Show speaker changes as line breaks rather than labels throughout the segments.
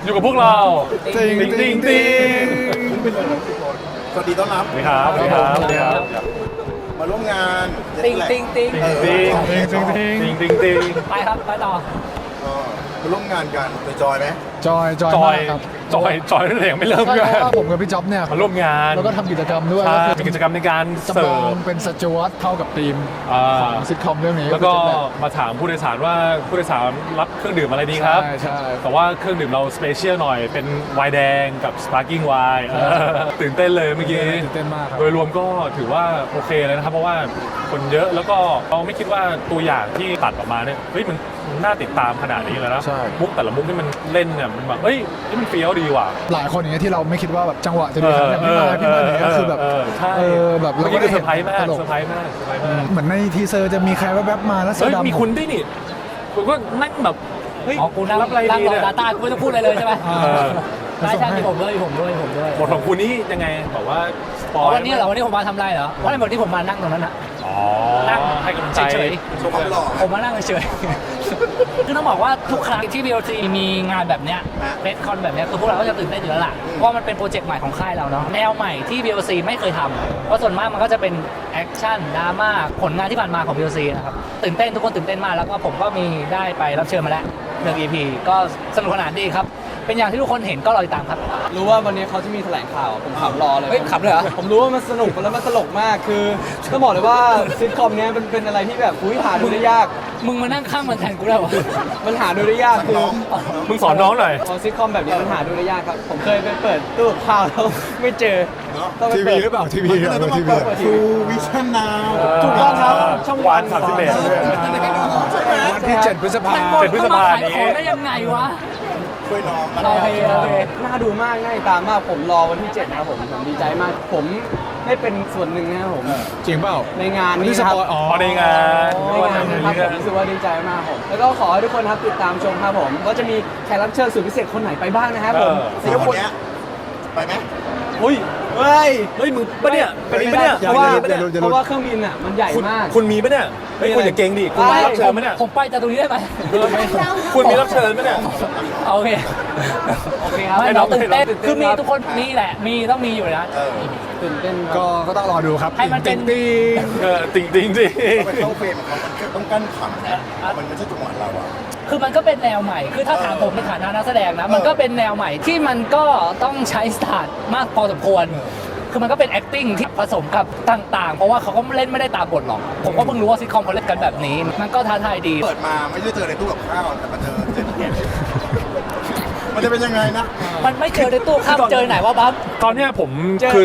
อยู่กับพวกเรา
ติงติงติง
สวัสดีต้อนรับ
สวัสดีครับสวัสดีครับสวัสดีครับ
มาร่วมงาน
ติงติงติง
ติงติงติงติงติง
ไปครับไปต่อ
มาร่วมงานกันจอยไหม
จอย
จอ
มาย กครับ
จอยนั่นเองไม่เริ่ม
ใช่
กัน
เพราะว่าผมกับพี่จ๊อบเนี่ย
มาร่วมงาน
แล้วก็ทำกิจกรรมด้วย
ใช่
ก็
มี
คือ
กิจกรรมในการ
จำ
เสิ
ลอ
ร์
ง
ฟ
เป็นสจวตเข้ากับทีม
อ่า
ของซิทคอมเรื่องนี้
แล้วก็
คือ
มาถามผู้โดยสารว่าผู้โดยสารรับเครื่องดื่มอะไรดีครับ
ใช่ใช่
แต่ว่าเครื่องดื่มเราสเปเชียลหน่อยเป็นไวน์แดงกับสปาร์กิ้งไวน์ตื่นเต้นเลยเมื่อกี้
ตื่นเต้นมากครับ
โดยรวมก็ถือว่าโอเคเลยนะครับ เพราะว่าคนเยอะแล้วก็เราไม่คิดว่าตัวอย่างที่ตัดออกมาเนี่ยเฮ้ยมันน่าติดตามขนาดนี้เลยนะ
ใช่
มุกแต่ละมุกที่มันเล่นเนี่ยมันแบบเฮ้ยนี่มันเฟี้ยวดีว่ะ
หลายคนอย่างเงี้ยที่เราไม่คิดว่าแบบจังหวะจะดีขนาดนี้พี่มาเนี่ยก็คือแบบ
ใช่
แบบ
เมื่อกี้คือเซอร์ไพรส์มาก
ตลก
เซอร์ไพรส์มากเซอร์ไพรส์มาก
เหมือนในทีเซอร์จะมีใครแวบๆมาแล้วเสื้
เฮ้
อย ดำ
มีคุณด้วยนี่คุณก็นั่งแบบเฮ้ย
อ๋อกูนั่ง
รับอะไร
นั่ง
ดี
รอ
เนี่ย
ดาต้ากูไม่ต้องพูดอะไรเลยใช่ไหม
อ่า
ใช่ใช่มีผมด้วยมีผมด้วยมีผมด้วย
บทของคุณนี่ยังไงบอกว่าสป
อ๋
อ
อย วันนี้เหรอวันนี้ผมมาทำอะไรเหรอวันนี้วันที่ผมมานั่งตรงนั้นอะ
อ๋อ
นั่ง
ให้กำลังใจ
เฉย
โชว์ความหล่อ
ผมมานั่งเฉยๆคือต้องบอกว่าทุกครั้งที่ BLC มีงานแบบเนี้ยเฟสคอนแบบเนี้ยคือพวกเราก็จะตื่นเต้นอยู่แล้วล่ะเพราะมันเป็นโปรเจกต์ใหม่ของค่ายเราเนาะแนวใหม่ที่ BLC ไม่เคยทำเพราะส่วนมากมันก็จะเป็นแอคชั่นดราม่าผลงานที่ผ่านมาของ BLC นะครับตื่นเต้นทุกคนตื่นเต้นมากแล้วก็ผมก็มีได้ไปรับเชิญมาแล้ว1 EP ก็สนุกสนานดีครับเป็นอย่างที่ทุกคนเห็นก็รอติดตามครับ
รู้ว่าวันนี้เขาจะมีแถลงข่าวผมขำรอเลย
เฮ้ยขำเลยเหรอ
ผมรู้ว่ามันสนุกแล้วมันตลกมากคือต้องบอกเลยว่าซิทคอมเนี้ยเป็นอะไรที่แบบอุ้ยหาดูได้ยาก
มึงมานั่งข้างมันแทนกูได้วะ
มันหาดูได้ยากคือ
น้อง
มึงสอนน้องหน่อย
พอซิทคอมแบบนี้มันหาดูได้ยากครับผมเคยไปเปิดตู้กับข้าวแล้วไม่เจอต้องไป
ที
เปิ
วี
ด
หรือเปล่าทีวี
มันก็เลยต้องมาเปิดทูวิชั่นนาว
ถูกต้องครับช่องวัน
31
วันที่7 พฤษภาค
มัน
ม
หมด
เป็นพฤษ
เข้ามา
ภา
ขาย
นี้
ของได้ยังไงวะ
ช่วยน้อง
โอเคโอเค
น่าดูมากน่าติดตามมากผมรอวันที่7นะครับผมดีใจมาก ผมได้เป็นส่วนหนึ่งนะครับผม
จริงเปล่า
ในงาน
วัน
นี้
ที่ส
นะครับ
ปอยอ๋อ
อ๋อในงาน
ในงานนะครับผมรู้สึกว่าดีใจมากผมแล้วก็ขอให้ทุกคนครับติดตามชมครับผมก็จะมีแขกรับเชิญสุดพิเศษคนไหนไปบ้างนะครับผม
เสียคนเนี้ยไปไหม
อุ้ยเฮ้ย
เฮ้ยมึงปะเนี่ยเป็นปะเนี่ย
เพราะว่า
อย่าลุ้น
เพราะว่าเครื่องบินอ่ะมันใหญ่
คุณ
มาก
คุณมีปะเนี่ยเฮ้ยคุณอย่าเก่งดิคุณมีรับเชิญปะเนี่ย
ผมไปจากตรงนี้ได้ไหม
คุณมีรับเชิญปะเนี่ย
โอเค
โอเคครับ
ไม่เราตื่นเต้น
ตื่นเต้น
คือมี
ครับ
ทุกคนมีแหละมีต้องมีอยู่นะ
ตื่นเต้นค
ก็
รับ
ก็ต้องรอดูครับ
ให้มันเป็น
ติง
ติงติงสิ
ไปเข้าเฟรมของเขามันต้องกั้นขำนะมันไม่ใช่จังหวะเราอะ
คือมันก็เป็นแนวใหม่ คือถ้าถามผมในฐานะนักแสดงนะ มันก็เป็นแนวใหม่ที่มันก็ต้องใช้สตาร์ทมากพอสมควร คือมันก็เป็น acting ที่ผสมกับต่างๆ เพราะว่าเขาก็เล่นไม่ได้ตามบทหรอก ผมก็เพิ่งรู้ว่าซิทคอมเขาเล่นกันแบบนี้ มันก็ท้าทายดี
เปิดมาไม่ได้เจอในตู้กับข้าวแต่มาเจอเจ็ดเกมมันจะเป็นยังไงนะ
มันไม่เจอในตู้ข้ามเจอไหนวะบัฟ
ตอนเนี้ยผมคือ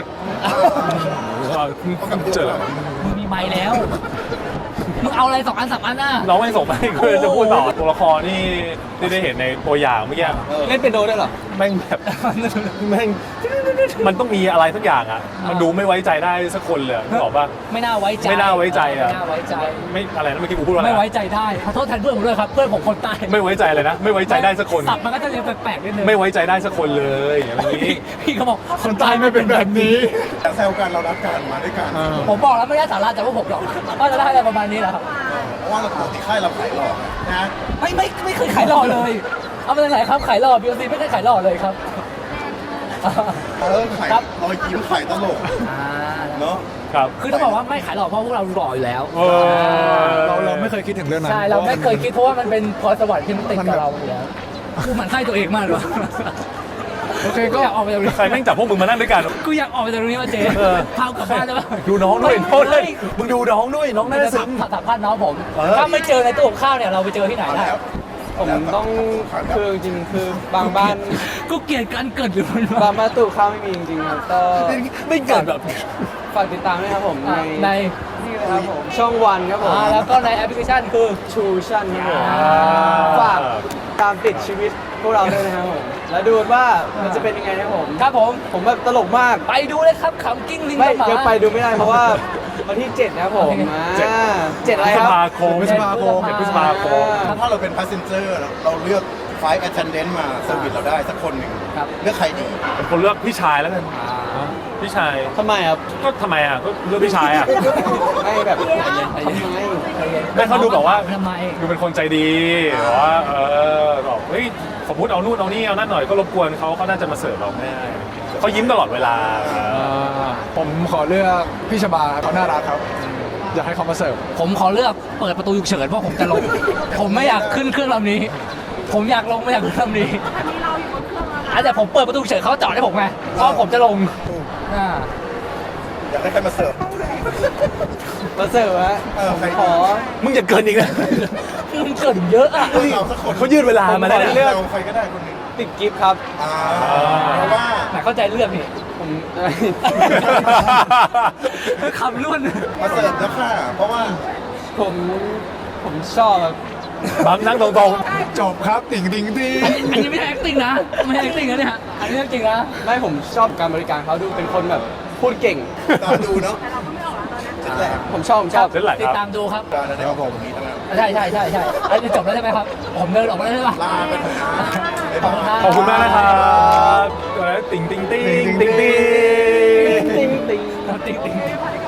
เจอ
มึงมีไม้แล้ว มึงเอาอะไร2 อัน 3 อันน่ะ
น้องไม่ส่งไปคือจะพูดต่อตัวละครนี่ที่ได้เห็นในตัวอย่างเมื่อกี้
เล่นเป็นโดได้เหรอ
แม่งแบบแม่งมันต้องมีอะไรสักอย่างอ่ะ มันดูไม่ไว้ใจได้สักคนเลยนึกออกป่ะ
ไม่น่าไว้ใจ
ไม่น่าไว้ใจอะ
ไม่น่าไว้ใจ
ไม่อะไรนะเมื่อกี้กูพูดว่าอะไร
ไม่
นะ
ไว้ใจได้ ขอโทษแทนเพื่อนผมด้วยครับ เพื่อนผมคนใต้
ไม่ไว้ใจเลยนะ ไม่ไว้ใจได้สักคน
สับมันก็จะเรียนแปลกๆนิดนึง
ไม่ไว้ใจได้สักคนเลยอย่างนี้
พี่เขาบอก
คนใต้ไม่เป็นแบบนี้
แต่แซวกันเรารักกันมาด้วยกัน
ผมบอกแล้วไม่ได้สาระจากพวกผมหรอกว่าจะได้อะไรประมาณนี้แหละครับ
เพราะว่าเราปกติค่ายเราขายหลอกนะ
ไม่เคยขายหล่อเลย เอาไปไหนครับขายหล่อ BLC ไม่เคยขายหล่อเลยครับ
ขาย
ครับ
รอยยิ้มขายตลกเนาะ
ครับ
คือต้องบอกว่าไม่ขายหล่อเพราะพวกเราหล่ออยู่แล้ว
เออ
เราไม่เคยคิดถึงเรื่องนั้น
ใช่เราไม่เคยคิดเพราะว่ามันเป็นพรสวรรค์ที่มันติดกับเราอยู่แล้วกูหมันไส้ตัวเองมากเลย
โอเค
ก็
ก็
อยากออกไปจากตรงนี้
ใครแม่งจับพวกมึงมานั่งด้วยกัน
กูอยากออกไปจากตรงนี้ว่าเจ๊
เออ
พากลับบ้านได้ปะ
ดูน้องด้วย
เฮ้ย
เฮ้ยมึงดูน้องด้วยน้องน่า
ไม่
จะ
ได้
ซึ้ง
สัมภาษณ์น้องผม
เออ
ถ้าไม่เจอในตู้กับข้าวเนี่ยเราไปเจอที่ไหนได้
แล้ว
ผมต้องคือจริงๆคือบางบ้าน
กูเกลียดการเกิดหรือมัน
บางบ้านตู้ข้าวไม่มีจริงๆครับก็
ไม่เกิดแบบ
ฝากติดตามด้วยครับผม
ใน
นี่เลยครับผมช่องวันครับผม
แล้วก็ในแอปพลิเคชันคือ
ชูชั่นครับผม
อ่า
ฝากตามติดชีวิตพวกเราด้วยนะครับผมแล้วดูว่ามันจะเป็นยังไงนะครับผม
ครับผม
ผมแบบตลกมาก
ไปดูเลยครับขำกิ้งลิง
ไม่
กับหมา
ยังไปดูไม่ได้เพราะว่าวันที่ 7 นะครับผม
เจ็ด
7อะไร
พฤษ
ครับ
ภาคม
พฤษภาคม
พฤษภาคม
ถ้าเราเป็น passenger เราเลือกไฟล์ attendant มาเซอร์วิสเราได้สักคนหนึ่งเลือกใครดี
เป็นคนเลือกพี่ชายแล้วกันพี่ชาย
ทำไมครับ
ก็ทำไมอ่ะก็เลือกพี่ชายอ่ะ
ไม่แบบทำไม
ไม่เขาดูแบบว่า
ทำไม
ดูเป็นคนใจดีแบบว่าบอกเฮ้ยสมมติเอานู่นเอานี่เอานั่นหน่อยก็รบกวนเขาน่าจะมาเสิร์ฟเราไม่ได้เขายิ้มตลอดเวลา
ผมขอเลือกพี่ชบาเขาน่ารักครับ อยากให้เขามาเสิร์ฟ
ผมขอเลือกเปิดประตูฉุกเฉินเพราะผมจะลง ผมไม่อยากขึ้นเครื่องลำนี้ ผมอยากลงไม่อยากขึ้นลำนี้แต่ผมเปิดประตูฉุกเฉินเขาจอดให้ผมไงเพราะผมจะลงอ่า
อยากได้ใครมาเสิร์ฟ
มาเสิร์ฟฮะ
ใคร
ขอ
มึงจะเกินอีกนะ
มันเกิดเยอะอ่ะ
เราสักคน
เขายืดเวลามาแล้ว
ผมขอ
เนี่ย
เลือก
เราใครก็ได้คนหนึง
ติดกิฟต์ครับ
เพราะว่า
ไหนเข้าใจเรื่องนี่
ผม
คำล้วน
มาเสิร์ฟแล้วค่ะ เพราะว่า
ผมผมชอบครับ
บังนั่งตรง
จบครับติ่งติ่งติ่ง
อันนี้ไม่ใช่ acting นะไม่ใช่ acting นะเนี่ยอันนี้เรื่องจริงนะ
ไม่ผมชอบการบริการเขาดูเป็นคนแบบพูดเก่ง
ตามดูเนาะจุดแรก
ผมชอบ
ๆเส้นไหล
ติ
ค
ด
รับ
ตามดูครับ
การได้ออกตรงนี้ทั้งนั้น
ใช่อันนี้จบแล้วใช่ไหมครับ ผมเดินออกมาแล้วใช่ปะ
ลาไปเถอะนะบ๊าย
ขอบคุณครับ
บาย
ขอบคุณมากนะครับติ่งติ่งติ่งติ่งติ่ง
ติ๊งติ๊ง
ติ๊งติ๊ง